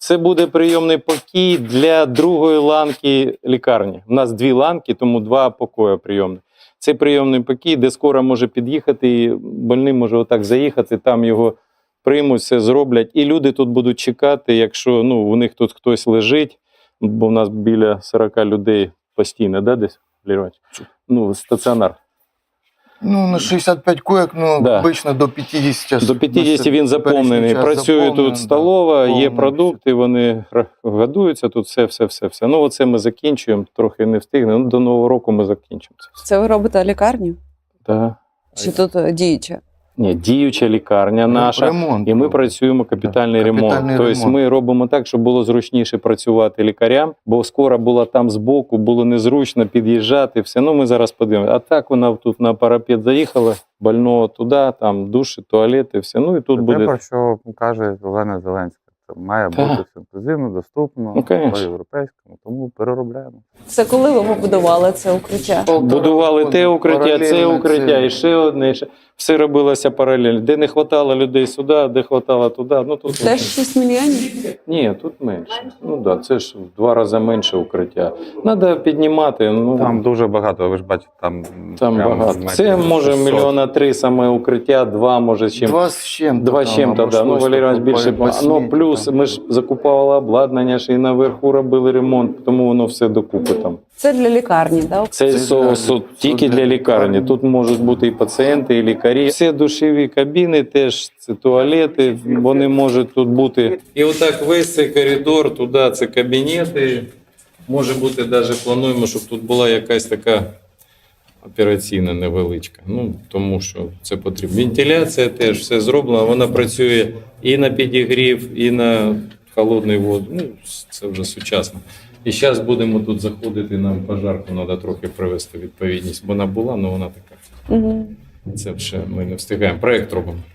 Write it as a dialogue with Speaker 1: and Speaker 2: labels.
Speaker 1: Це буде прийомний покій для другої ланки лікарні. У нас 2 ланки, тому 2 покої прийомних. Це прийомний покій, де скоро може під'їхати, і больний може отак заїхати, там його приймуть, все зроблять. І люди тут будуть чекати, якщо у них тут хтось лежить, бо в нас біля 40 людей постійно, да, десь, Леонід? Стаціонар.
Speaker 2: На 65 коек,
Speaker 1: Да.
Speaker 2: обично до 50.
Speaker 1: До 50 він заповнений. Працює тут столова, є продукти, вони годуються, тут все. Оце ми закінчуємо, трохи не встигнемо. До Нового року ми закінчимо це.
Speaker 3: Це ви робите лікарню?
Speaker 1: Так.
Speaker 3: Чи тут діюча?
Speaker 1: Ні, діюча лікарня наша,
Speaker 2: Ремонт.
Speaker 1: і ми працюємо капітальний ремонт. Тобто ми робимо так, щоб було зручніше працювати лікарям, бо скоро була там збоку, було незручно під'їжджати, все. Ми зараз подивимося. А так вона тут на парапет заїхала, больного туди, там душі, туалети, все. І тут буде...
Speaker 4: Те, про що каже Олена Зеленська. Це має бути інклюзивно, доступно, по-європейському, тому переробляємо.
Speaker 3: Це коли ви побудували це укриття?
Speaker 1: Будували те укриття, це укриття, і ще одне. Все робилося паралельно. Де не вистачало людей сюди, де вистачало туди. Тут
Speaker 3: Теж 6 мільйонів?
Speaker 1: Ні, тут менше. Це ж в 2 рази менше укриття. Треба піднімати.
Speaker 4: Там дуже багато, ви ж бачите, там
Speaker 1: багато. Це може 1,3 мільйона саме укриття, 2 може чим.
Speaker 2: 2 з чим-то.
Speaker 1: 2 з чим-то, да. Валерій Іванович більше. Плюс ми ж закупували обладнання, ще і наверху робили ремонт, тому воно все докупи там.
Speaker 3: Це для лікарні, так?
Speaker 1: Це тільки для лікарні. Тут можуть бути і пацієнти, і лікарі. Всі душові кабіни теж, це туалети, вони можуть тут бути. І отак весь цей коридор, туди це кабінети. Може бути, навіть плануємо, щоб тут була якась така операційна невеличка. Тому що це потрібно. Вентиляція теж все зроблено, вона працює і на підігрів, і на холодний воду. Це вже сучасно. І зараз будемо тут заходити, нам пожарку треба трохи привести відповідність, бо вона була, але вона така. Це вже ми не встигаємо. Проєкт робимо.